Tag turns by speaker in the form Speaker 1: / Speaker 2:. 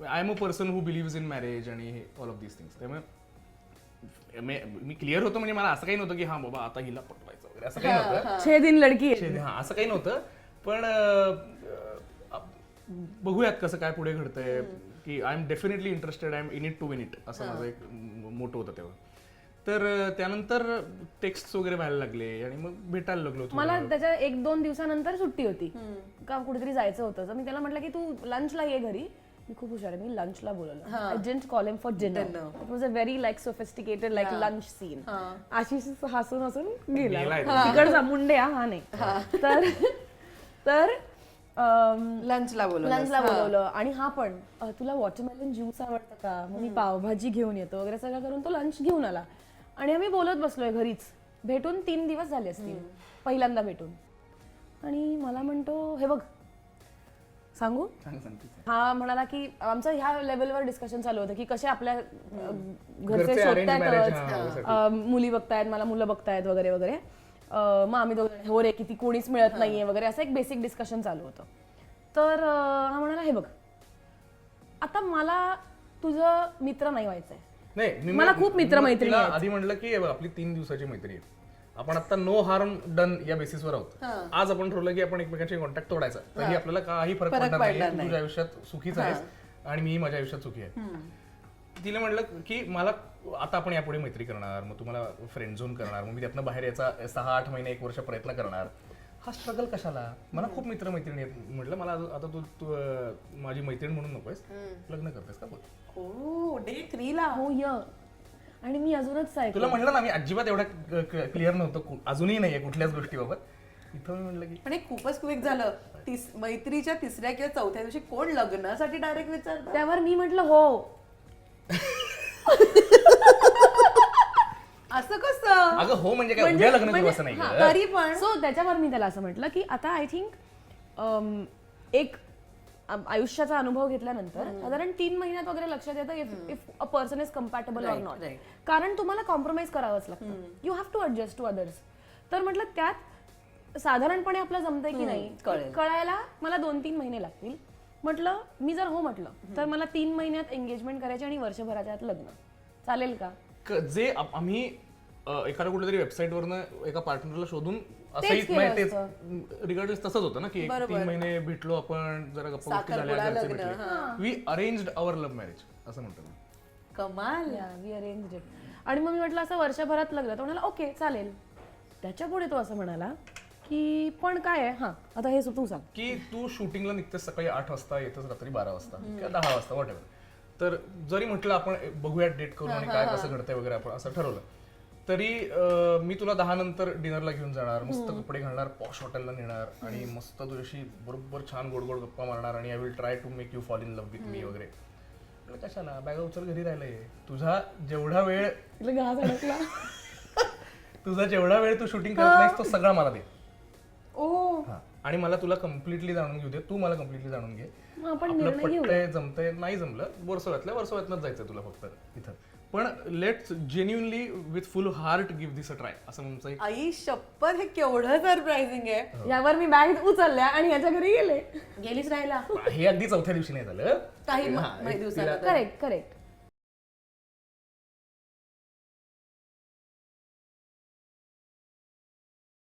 Speaker 1: I am a person who believes in marriage आणि all of these things. त्यामुळे मी clear होतो, म्हणजे मला असं काही नव्हतं की हा बाबा आता हिला पटवायचं वगैरे, असं काही नव्हतं.
Speaker 2: 6 दिन लडकी आहे.
Speaker 1: हा असं काही नव्हतं. पण बघूयात कसं काय पुढे घडतंय, की I am definitely interested, I am in it to win it, असं माझं एक मोठं होतं तेव्हा. तर त्यानंतर टेक्स्ट वगैरे व्हायला लागले आणि मग भेटायला लागलो.
Speaker 2: मला त्याच्या 1-2 दिवसानंतर सुट्टी होती, का कुठेतरी जायचं होतं. तर मी त्याला म्हटलं की तू लंचला ये घरी. मी खूप हुशार आहे, मी लंचला बोलवलं. I didn't call him for dinner. It was a very like sophisticated like lunch scene. Ashish हसून हसून गेला, तिकडचा मुंडे हा नाही. तर
Speaker 3: लंचला
Speaker 2: बोलवलं. आणि हा पण तुला वॉटरमेलन ज्यूस आवडतं का, मग मी पावभाजी घेऊन येतो वगैरे सगळं करून तो लंच घेऊन आला. आणि आम्ही बोलत बसलोय घरीच. भेटून 3 दिवस झाले असतील पहिल्यांदा भेटून. आणि मला म्हणतो हे बघ सांगू. हा म्हणाला की आमचं ह्या लेवलवर डिस्कशन चालू होतं की कसे आपल्या घरचे शोधतायत, मुली बघतायत, मला मुलं बघतायत वगैरे वगैरे. मग आम्ही दोघं हो रे किती कोणीच मिळत नाहीये वगैरे, असं एक बेसिक डिस्कशन चालू होतं. तर हा म्हणाला हे बघ आता मला तुझं मित्र नाही व्हायचंय.
Speaker 1: नाही,
Speaker 2: मला खूप मित्रमैत्रिणी आहेत.
Speaker 1: आधी म्हटलं की आपली 3 दिवसाची मैत्री आहे, आपण आता नो हार्म डन या बेसिसवर आहोत. आज आपण ठरवलं की आपण एकमेकांशी कॉन्टॅक्ट तोडायचा, तरी आपल्याला काही फरक पडणार नाही. तुझ्या आयुष्यात सुखीच आहेस आणि मीही माझ्या आयुष्यात सुखी आहे. तिला म्हटलं की मला आता आपण यापुढे मैत्री करणार, मग तुम्हाला फ्रेंड झोन करणार, मग मी त्यातनं बाहेर याचा 6-8 महिने 1 वर्ष प्रयत्न करणार. हा स्ट्रगल कशाला, मला खूप मित्रमैत्रिणी आहेत. म्हटलं मला आता तू माझी मैत्रीण म्हणून नकोयस, लग्न करतेस का बोल.
Speaker 3: डे 3 ला
Speaker 2: हो य. आणि मी अजूनच
Speaker 1: तुला म्हटलं ना मी अजिबात एवढं क्लिअर नव्हतं, अजूनही नाहीये कुठल्याच गोष्टीबाबत. इथं मी म्हटलं की
Speaker 3: पण हे खूपच क्विक झालं. मैत्रीच्या 3ऱ्या किंवा 4थ्या दिवशी कोण लग्नासाठी डायरेक्ट विचारतं.
Speaker 2: त्यावर मी म्हटलं हो.
Speaker 3: असं कसं.
Speaker 1: अगं हो म्हणजे काय उद्या लग्न करू असं नाही.
Speaker 3: तरी पण
Speaker 2: सो त्याच्यावर मी त्याला असं म्हटलं की आता आय थिंक एक आयुष्याचा अनुभव घेतल्यानंतर साधारण 3 महिन्यात वगैरे लक्षात येतं if a person is compatible or not. कारण तुम्हाला कॉम्प्रोमाइज करावंच लागतं. You have to adjust to others. तर म्हटलं त्यात साधारणपणे आपलं जमतंय की नाही कळायला मला 2-3 महिने लागतील. म्हटलं मी जर हो म्हटलं तर मला 3 महिन्यात एंगेजमेंट करायची आणि वर्षभराच्या आत लग्न. चालेल का.
Speaker 1: जे आम्ही एखाद्या कुठल्या तरी वेबसाईट वरनं एका पार्टनरला शोधून असंही रिगार्डलेस तसंच होतं ना की 3 महिने भेटलो आपण, जरा गप्पा गोष्टी झाल्या, we arranged our love marriage असं म्हणतो ना.
Speaker 3: कमाल.
Speaker 2: We arranged it. आणि मग मी म्हटलं असं वर्षभरात लग्न. तो म्हणाला ओके चालेल. त्याच्या पुढे तो असं म्हणाला की पण काय आहे, हा आता हे तू सांग
Speaker 1: की तू शूटिंगला निघतेस सकाळी 8 वाजता, येतच रात्री 12 वाजता किंवा 10 वाजता वॉट एव्हर. तर जरी म्हटलं आपण बघूया डेट करून आणि काय कसं घडतंय वगैरे आपण असं ठरवलं, तरी मी तुला 10 नंतर डिनरला घेऊन जाणार, मस्त कपडे घालणार, पॉश हॉटेलला नेणार आणि मस्त तुझ्याशी बरोबर छान गोड गोड गप्पा मारणार आणि I will try to make you fall in love with me वगैरे. कशाला बॅगा उचल घरी राहिलंय. तुझा जेवढा वेळ तू शूटिंग करत नाहीस तो सगळा मला दे. आणि मला तुला कम्प्लिटली जाणून घेऊ दे, तू मला कम्प्लिटली जाणून घे. आपलं पटतंय जमतंय, नाही जमलं वर्षभरातनंच जायचं तुला फक्त इथं. पण let's genuinely with full heart give this a try असं म्हणतो.
Speaker 3: आई शपथ हे केवढं सरप्राइझिंग आहे.
Speaker 2: यावर मी बॅग उचलल्या आणि याच्या घरी गेलीच राहिला.
Speaker 1: हे अगदी 4थ्या दिवशी नाही झालं,
Speaker 3: काही दिवसाला.
Speaker 2: करेक्ट